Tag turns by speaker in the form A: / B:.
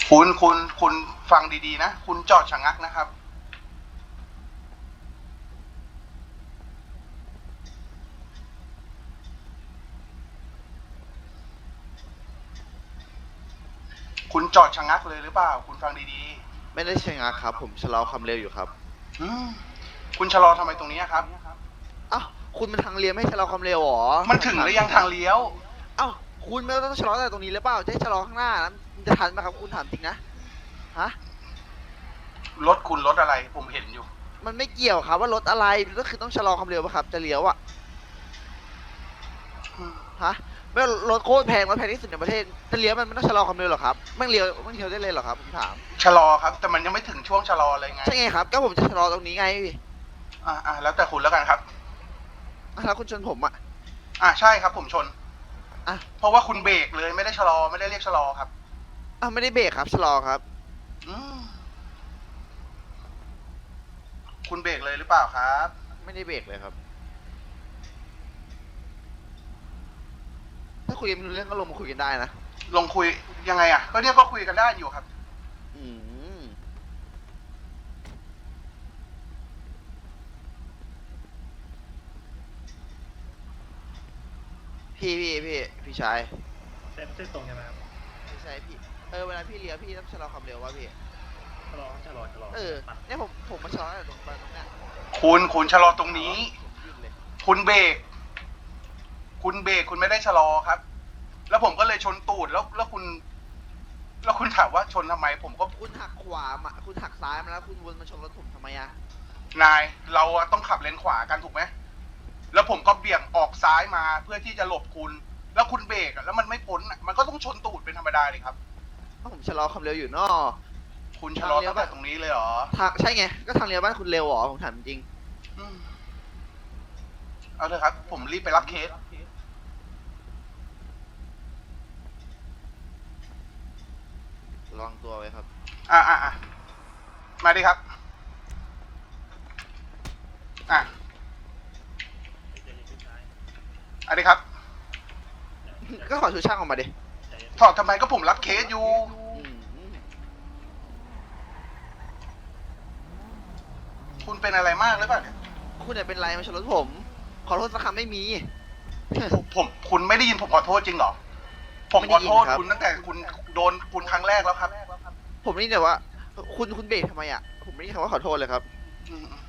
A: คุณฟังดีๆนะคุณจอดชะงักนะครับคุณจอดชะงักเลยหรือเปล่าคุณฟังดี
B: ไม่ได้ชะงักครับผมชะลอความเร็วอยู่ครับ
A: ๆคุณชะลอทำไมตรงนี้ครับ
B: อ้าวคุณมันทางเลี้ยวไม่ให้ชะลอความเร็วหรอ
A: มันถึงหรือยังทางเลี้ยว
B: อ้าวคุณไม่ต้องชะลอแต่ตรงนี้หรือเปล่าจะให้ชะลอข้างหน้านะมันจะทันไหมครับคุณถามจริงนะฮะ
A: รถคุณรถอะไรผมเห็นอยู่
B: มันไม่เกี่ยวครับว่ารถอะไรก็คือต้องชะลอความเร็วป่ะครับจะเลี้ยวอะฮะไม่รถโคตรแพงรถแพงที่สุดในประเทศจะเลี้ยวมันไม่ต้องชะลอความเร็วหรอครับไม่เลี้ยวได้เลยหรอครับผมถาม
A: ชะลอครับแต่มันยังไม่ถึงช่วงชะลอเลยไง
B: ใช่ไงครับก็ผมจะชะลอตรงนี้ไง
A: แล้วแต่คุณแล้วกันครับ
B: แล้วคุณชนผมอะ
A: ใช่ครับผมชน
B: อ่ะ
A: เพราะว่าคุณเบรกเลยไม่ได้ชะลอไม่ได้เรียกชะลอครับ
B: ไม่ได้เบรกครับชะลอครับ
A: อืมคุณเบรกเลยหรือเปล่าครับ
B: ไม่ได้เบรกเลยครับถ้าคุยกันไม่รู้เรื่องก็ลงมาคุยกันได้นะ
A: ลงคุยยังไงก็เนี่ยก็คุยกันได้อยู่ครับ
B: อืมพี่ชาย
C: เส้นตรงใช่ไหมครับ
B: พี่ชายพี่เวลาพี่เลี้ยวพี่ต้องชะลอความเร็ววะพี่
C: ชะลอปัด
B: เนี่ยผมมาชะลอแต่ตรงเนี้ย
A: คุณชะลอตรงนี้
B: ผมหยุดเลย
A: คุณเบรกคุณไม่ได้ชะลอครับ แล้วผมก็เลยชนตูดแล้วคุณถามว่าชนทำไมผมก็
B: คุณหักขวามาคุณหักซ้ายมาแล้วคุณวนมาชนรถผมทำไมอะ
A: นายเราต้องขับเลนขวากันถูกไหมแล้วผมก็เบี่ยงออกซ้ายมาเพื่อที่จะหลบคุณแล้วคุณเบรกแล้วมันไม่พ้นมันก็ต้องชนตูดเป็นธรรมดาเลยครับ
B: ผมชะลอความเร็วอยู่นอ
A: คุณชะลอตั้งแต่ตรงนี้เลยเหรอ
B: ทางใช่ไงก็ทางเลี้ยวบ้านคุณเร็วเหรอผมถามจริง
A: เอาเถอะครับผมรีบไปรับเคส
B: ระวังตัวไว้ครับ
A: มาดิครับอันนี้ครับ
B: ก็ขอชูช่างออกมาดิ
A: ถอดทำไมก็ผมรับเคสอยู่คุณเป็นอะไรมากหรือเปล่าเนี่ย
B: คุณเนี่ยเป็นไรมาชนรถผมขอโทษสักคำไม่มี
A: คุณไม่ได้ยินผมขอโทษจริงเหรอผมขอโทษคุณตั้งแต่คุณโดนคุณครั้งแรกแล้วครับ
B: ผมนี่แต่ว่าคุณเบรกทำไมอ่ะผมไม่ได้คำว่าขอโทษเลยครับ